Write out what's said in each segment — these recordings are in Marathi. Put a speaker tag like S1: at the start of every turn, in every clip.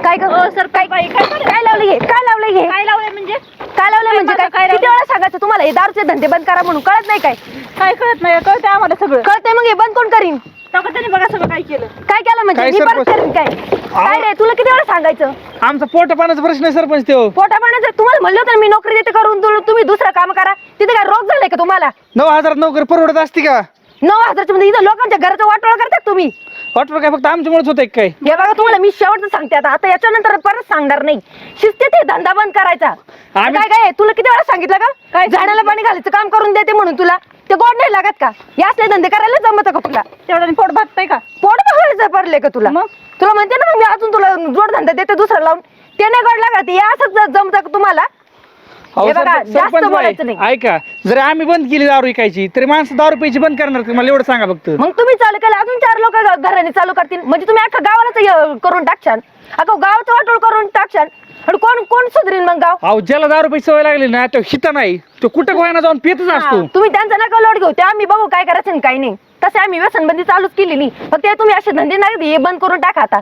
S1: काय सर काय लावले म्हणजे काय किती वेळा सांगायचं तुम्हाला हे दारूचे धंदे बंद करा म्हणून, कळत नाही काय
S2: कळत नाही, कळते आम्हाला सगळं
S1: कळतंय. मग हे बंद कोण करीन?
S2: त्याने बघा सगळं काय केलं
S1: म्हणजे
S3: काय
S1: मी परत
S3: सरपंच?
S1: करीन काय रे? तुला किती वेळा सांगायचं?
S3: आमचा पोट पाण्याचा प्रश्न आहे सरपंच तो.
S1: पोटा पाण्याचं तुम्हाला म्हणलं होतं ना मी नोकरी देते करून, तुम्ही दुसरं काम करा. तिथे काय रोग झालाय का तुम्हाला?
S3: 9,000 नोकरी परवडत असते का?
S1: 9,000 मध्ये इथं लोकांच्या घराचं वाटोळ करतात तुम्ही.
S3: वाटलं काय फक्त आमच्यामुळेच होतंय काय?
S1: हे बघा तुम्हाला मी शेवटचं सांगते, आता याच्यानंतर परत सांगणार नाही. शिस्तीत हे धंदा बंद करायचा. काय तुला किती वेळा सांगितलं का? काय झाडाला पाणी घालायचं काम करून देते म्हणून तुला ते गोड नाही लागत का? हे असले धंदे करायला जमत का तुला?
S2: तेवढं पोट भागतंय का?
S1: पोट बघायचं पडले का तुला? तुला म्हणते ना मी अजून तुला जोड धंदा देते दुसरा लावून, ते नाही गोड लागत. हे असंच जमत का तुम्हाला? हे बघा जास्त बोलायचं नाही.
S3: ऐका, जर आम्ही बंद केली दारू विकायची तरी माणसं दारू प्यायची बंद करणार का? मला एवढं सांगा फक्त.
S1: मग तुम्ही चालू केलं अजून 4 लोक घराने चालू करतील म्हणजे तुम्ही अख्खा गावालाच करून टाकशाल, अख्खा गावाचं वाटोळ करून टाकशाल. आणि कोण सुधरीन मग गाव?
S3: अहो ज्याला दारू प्यायची सवय लागली ना तो हिता नाही, तो कुठं गोयाना जाऊन पितच असतो.
S1: तुम्ही त्यांचा नका लोट घेऊ, ते आम्ही बघू काय करायचं आणि काय नाही. तसे आम्ही व्यसनबंदी चालूच केली नाही, फक्त ते तुम्ही असे धंदे नाही हे बंद करून टाका आता.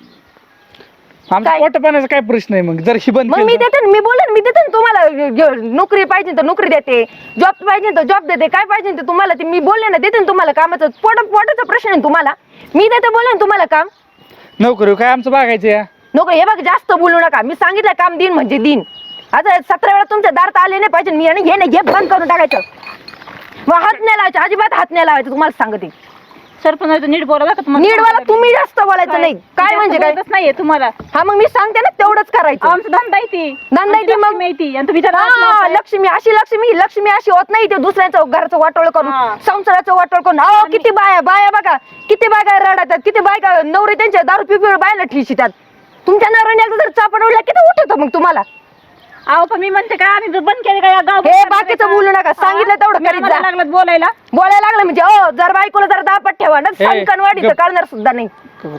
S3: आमचा पोट पाण्याचा काय प्रश्न आहे? मग जर ही बंद
S1: मग मी देते, मी बोलेन, मी देते तुम्हाला. नोकरी पाहिजे तर नोकरी देते, जॉब पाहिजे तर जॉब देते, काय पाहिजे तर तुम्हाला ते मी बोलले ना देते तुम्हाला. कामाचं पोटाचा प्रश्न आहे तुम्हाला, मी देते बोलेन तुम्हाला काम.
S3: नोकरी काय आमचं बघायचं या
S1: नोकरी हे बघ जास्त बोलू नका. मी सांगितलं काम दिन म्हणजे दिन. आता 17 वेळा तुमच्या दारात आले नाही पाहिजे मी, आणि हे बंद करून टाकायचं. मग हात नाही लावायचे, अजिबात हात नाही लावायचं तुम्हाला सांगते.
S2: सरपंच नीट बोला का?
S1: नीट बोला तुम्ही, जास्त बोलायचं नाही. काय म्हणजे काय
S2: नाहीये तुम्हाला?
S1: हा मग मी सांगते ना तेवढंच करायचं.
S2: आमचं धंदा आहे
S1: धंदा आहे मग
S2: माहिती. आणि तुम्ही
S1: लक्ष्मी अशी होत नाही. ते दुसऱ्याचं घरचं वाटोळ करून, संसाराचं वाटोळ करून. अहो किती बाया बघा, किती बायका रडतात, किती बायका नवरे त्यांच्या दारू पिपी बायला ठिशीतात. तुमच्या नवऱ्याने एकदा जर चापडवला किती उठत मग तुम्हाला?
S2: अहो पण मी म्हणते काय आम्ही बंद केले काय गाव?
S1: हे बाकीचं बोलू नका, सांगितलं तेवढं करीत जा.
S2: लागलं बोलायला
S1: लागलं म्हणजे जर बायकोला जर दापट ठेवा ना संकनवाडी तर कळणार सुद्धा नाही.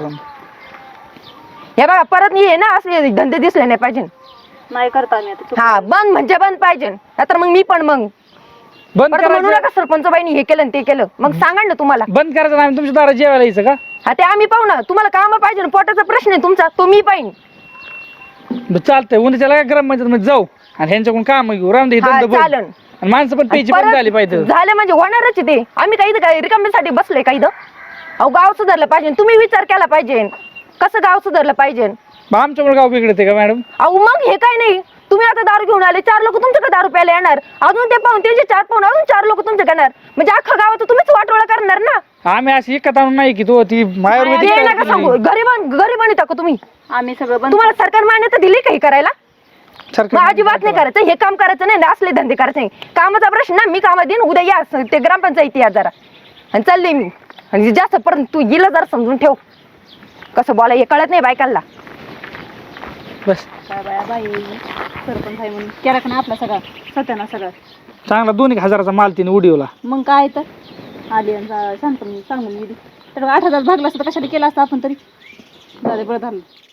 S1: हे बघा परत हे ना असले धंदे दिसले नाही पाहिजे.
S2: नाही करता
S1: हा बंद म्हणजे बंद पाहिजे. तर मग मी पण मग
S3: बंद
S1: म्हणू नका सरपंच बाईनी हे केलं ते केलं. मग सांगा ना तुम्हाला
S3: बंद करायचं नाही तुमच्या दारात जेवायला यायचं का?
S1: हा ते आम्ही पाहू ना. तुम्हाला काम पाहिजे, पोटाचा प्रश्न आहे तुमचा, तो मी पाहिन.
S3: चालतंय उद्याच्या ग्रामपंचायत मध्ये जाऊ आणि ह्यांच्याकडून काम घेऊ. राम दे
S1: चालन.
S3: आणि माणसं पण प्यायची बंद झाली पाहिजे.
S1: झालं म्हणजे होणारच ते. आम्ही काही रिकाम्यासाठी बसलोय काही. अहो गाव सुधारलं पाहिजे, तुम्ही विचार केला पाहिजे कसं गाव सुधारलं पाहिजे.
S3: आमच्यामुळे गाव बिघडते का मॅडम?
S1: अहो मग हे काय नाही, तुम्ही आता दारू घेऊन आले, 4 लोक तुमच्याकडे दारू प्यायला येणार, अजून ते पाहून त्यांचे 4 पाहून अजून 4 लोक तुमच्याकडे येणार, म्हणजे अख्खा गावात तुम्हीच वाटोळा करणार ना.
S3: आम्ही अशी एकत आणून नाही की तो ती
S1: गरीबानी टाकू तुम्ही.
S2: आम्ही सगळं
S1: तुम्हाला सरकार मान्यता दिली काही करायला? अजिबात नाही करायचं, हे काम करायचं नाही, असले धंदे करायचे नाही. कामाचा प्रश्न ना मी कामात देईन, उद्या या ते ग्रामपंचायती या जरा. आणि चालले मी. आणि जास्त पर्यंत तू गेलं जरा समजून ठेव कसं बोला, हे कळत नाही बायकांना.
S3: बस
S2: बाई सरपंच आहे म्हणून केला का ना आपला सगळा सत्याना सगळं
S3: चांगला 2,000चा माल तिने उडीवला.
S2: मग काय तर आली सांगून गेली तर 8,000 भागला असता कशाला केला असता आपण तरी. बरं झालं.